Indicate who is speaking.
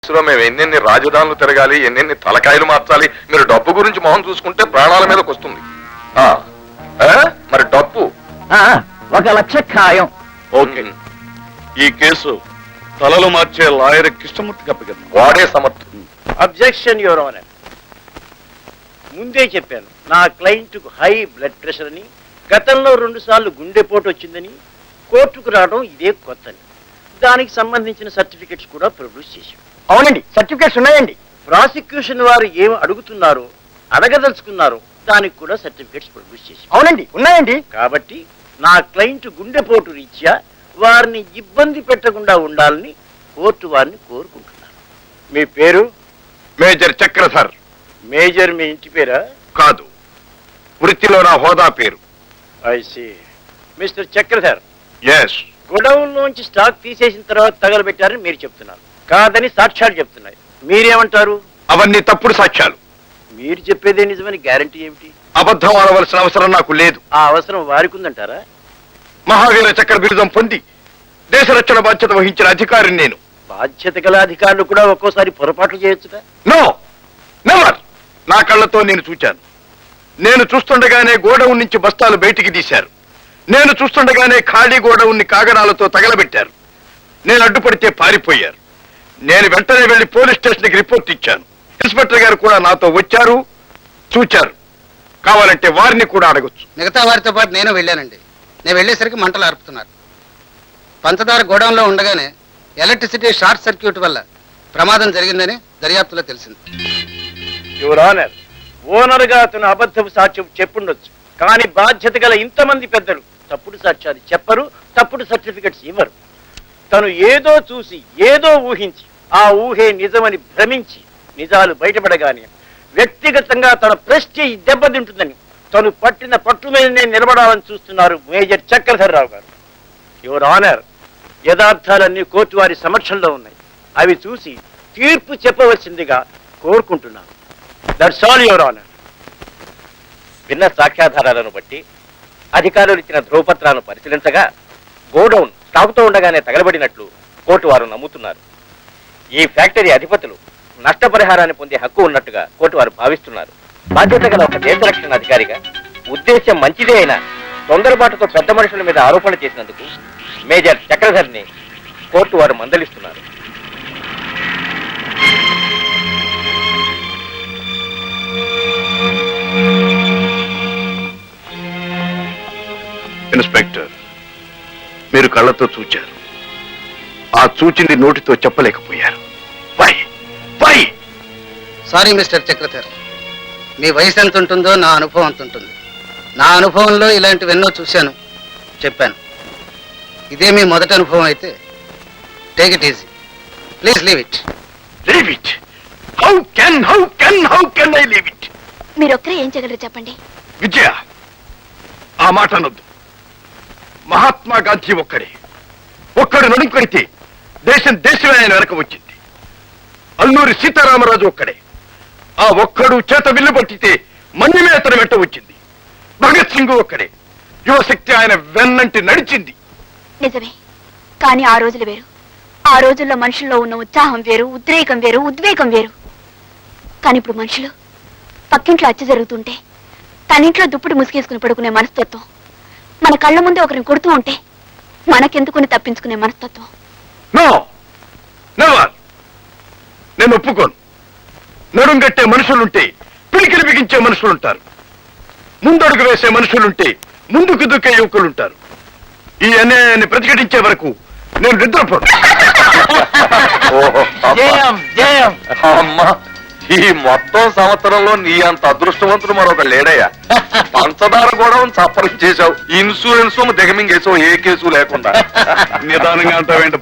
Speaker 1: మేము ఎన్నెన్ని రాజధానులు తిరగాలి, ఎన్నెన్ని తలకాయలు మార్చాలి. మీరు డబ్బు గురించి మొహం చూసుకుంటే ప్రాణాల మీదకి వస్తుంది. మరి డబ్బు
Speaker 2: 1,00,000 ఖాయం.
Speaker 3: ఓకే, ఈ కేసు తలలు మార్చే లాయర్ కృష్ణమూర్తికి అప్పగిద్దాం.
Speaker 1: వాడే సమర్థం.
Speaker 4: Objection your honour. ముందే చెప్పాను, నా క్లయింట్కు హై బ్లడ్ ప్రెషర్ అని, గతంలో 2 సార్లు గుండెపోటు వచ్చిందని, కోర్టుకు రావడం ఇదే కొత్తని. దానికి సంబంధించిన సర్టిఫికెట్స్ కూడా ప్రొడ్యూస్ చేశాం.
Speaker 2: అవునండి, సర్టిఫికేట్స్ ఉన్నాయండి.
Speaker 4: ప్రాసిక్యూషన్ వారు ఏం అడుగుతున్నారో, అడగదలుచుకున్నారో దానికి కూడా సర్టిఫికెట్స్ ప్రొడ్యూస్ చేశాం.
Speaker 2: అవునండి, ఉన్నాయండి.
Speaker 4: కాబట్టి నా క్లయింట్ గుండెపోటు రీత్యా వారిని ఇబ్బంది పెట్టకుండా ఉండాలని కోర్టు వారిని కోరుకుంటున్నాను. మీ పేరు?
Speaker 3: మేజర్ చక్రధర్.
Speaker 4: మేజర్ మీ ఇంటి పేరా?
Speaker 3: కాదు, వృత్తిలో నా హోదా పేరు.
Speaker 4: I see. Mister Chakradhar,
Speaker 3: yes.
Speaker 4: Godown లోంచి స్టాక్ తీసేసిన తర్వాత తగలబెట్టారని మీరు చెప్తున్నారు. కాదని సాక్ష్యాలు చెప్తున్నాయి. మీరేమంటారు?
Speaker 3: అవన్నీ తప్పుడు సాక్ష్యాలు.
Speaker 4: మీరు చెప్పేదే నిజమని గ్యారంటీ ఏమిటి?
Speaker 3: అబద్ధం ఆడవలసిన అవసరం నాకు లేదు.
Speaker 4: ఆ అవసరం వారికి ఉందంటారా?
Speaker 3: మహావీర చక్ర బిరుదం పొంది దేశ రక్షణ బాధ్యత వహించిన అధికారిని నేను.
Speaker 4: బాధ్యత గల అధికారులు కూడా ఒక్కోసారి పొరపాట్లు చేయొచ్చుగా?
Speaker 3: No, never. నా కళ్ళతో నేను చూచాను. నేను చూస్తుండగానే గోడౌన్ నుంచి బస్తాలు బయటికి తీశారు. నేను చూస్తుండగానే ఖాళీ గోడౌన్ని కాగడాలతో తగలబెట్టారు. నేను అడ్డుపడితే పారిపోయారు. నేను వెంటనే వెళ్లి పోలీస్ స్టేషన్కి రిపోర్ట్ ఇచ్చాను. ఇన్స్పెక్టర్ గారు కూడా నాతో వచ్చారు, చూచారు. కావాలంటే వారిని కూడా అడగొచ్చు.
Speaker 5: మిగతా వారితో పాటు నేను వెళ్ళానండి. నేను వెళ్ళేసరికి మంటలు ఆర్పుతున్నారు. పంచదార గోడౌన్లో ఉండగానే ఎలక్ట్రిసిటీ షార్ట్ సర్క్యూట్ వల్ల ప్రమాదం జరిగిందని దర్యాప్తులో తెలిసింది.
Speaker 4: యువర్ ఆనర్, ఓనర్ గా అతను అబద్ధపు సాక్ష్యం చెప్పుండొచ్చు, కానీ బాధ్యత గల ఇంతమంది పెద్దలు తప్పుడు సాక్ష్యాలు చెప్పరు, తప్పుడు సర్టిఫికెట్స్ ఇవ్వరు. తను ఏదో చూసి ఏదో ఊహించి ఆ ఊహే నిజమని భ్రమించి నిజాలు బయటపడగానే వ్యక్తిగతంగా తన ప్రెస్టీజ్ దెబ్బతింటుందని తను పట్టిన పట్టు మీదనే నిలబడాలని చూస్తున్నారు మేజర్ చక్రధర్ రావు గారు. యువర్ ఆనర్, యథార్థాలన్నీ కోర్టు వారి సమక్షంలో ఉన్నాయి. అవి చూసి తీర్పు చెప్పవలసిందిగా కోరుకుంటున్నాను. That's all your honour. విన్న సాక్ష్యాధారాలను బట్టి అధికారులు ఇచ్చిన ధ్రువపత్రాలను పరిశీలించగా గోడౌన్ స్టాకుతో ఉండగానే తగలబడినట్లు కోర్టు వారు నమ్ముతున్నారు. ఈ ఫ్యాక్టరీ అధిపతులు నష్టపరిహారాన్ని పొందే హక్కు ఉన్నట్టుగా కోర్టు వారు భావిస్తున్నారు. బాధ్యత గల ఒక దేశ రక్షణ అధికారిగా ఉద్దేశం మంచిదే అయినా తొందరపాటుతో పెద్ద మనుషుల మీద ఆరోపణ చేసినందుకు మేజర్ చక్రధర్ని కోర్టు వారు మందలిస్తున్నారు.
Speaker 3: ఇన్స్పెక్టర్, మీరు కళ్ళతో చూచారు. ఆ చూచింది నోటితో చెప్పలేకపోయారు. Why why?
Speaker 5: Sorry mister Chakradhar, మీ వయసు ఎంత ఉంటుందో నా అనుభవం అంత ఉంటుంది. నా అనుభవంలో ఇలాంటివెన్నో చూశాను, చెప్పాను. ఇదే మీ మొదటి అనుభవం అయితే take it easy. Please leave it.
Speaker 3: Leave it? How can I leave it?
Speaker 6: మీరొక్కరే ఏం చేయగలరు చెప్పండి.
Speaker 3: విజయ, ఆ మాట అనొద్దు. మహాత్మా గాంధీ ఒక్కడు నడుంకొడితే దేశమే ఆయన వెనక వచ్చింది. అల్లూరి సీతారామరాజు ఒక్కడే. ఆ ఒక్కడు చేత విల్లు పట్టితే మన్యమే అతను వెంట వచ్చింది. భగత్ సింగ్ ఒక్కడే. యువశక్తి ఆయన వెన్నంటి నడిచింది.
Speaker 6: నిజమే, కానీ ఆ రోజులు వేరు. ఆ రోజుల్లో మనుషుల్లో ఉన్న ఉత్సాహం వేరు, ఉద్రేకం వేరు, ఉద్వేగం వేరు. కానీ ఇప్పుడు మనుషులు పక్కింట్లో హత్య జరుగుతుంటే తనింట్లో దుప్పటి ముసుగేసుకుని పడుకునే మనస్తత్వం, మన కళ్ళ ముందే ఒకరిని కొడుతూ ఉంటే మనకెందుకుని తప్పించుకునే మనస్తత్వం.
Speaker 3: No, never. నేను ఒప్పుకోను. నడుంగట్టే మనుషులుంటే పిడికిలి బిగించే మనుషులుంటారు. ముందడుగు వేసే మనుషులుంటే ముందుకు దూకే యువకులుంటారు. ఈ అన్యాయాన్ని ప్రతిఘటించే వరకు నేను నిద్రపోను.
Speaker 1: అమ్మా, ఈ మొత్తం సంవత్సరంలో నీ అంత అదృష్టవంతుడు మరొక లేడయ్యా. పంచదార కూడా సఫరం చేశావు, ఇన్సూరెన్స్ దిగమింగేసావు, ఏ కేసు లేకుండా.
Speaker 3: నిదానంగా అంటావేంటి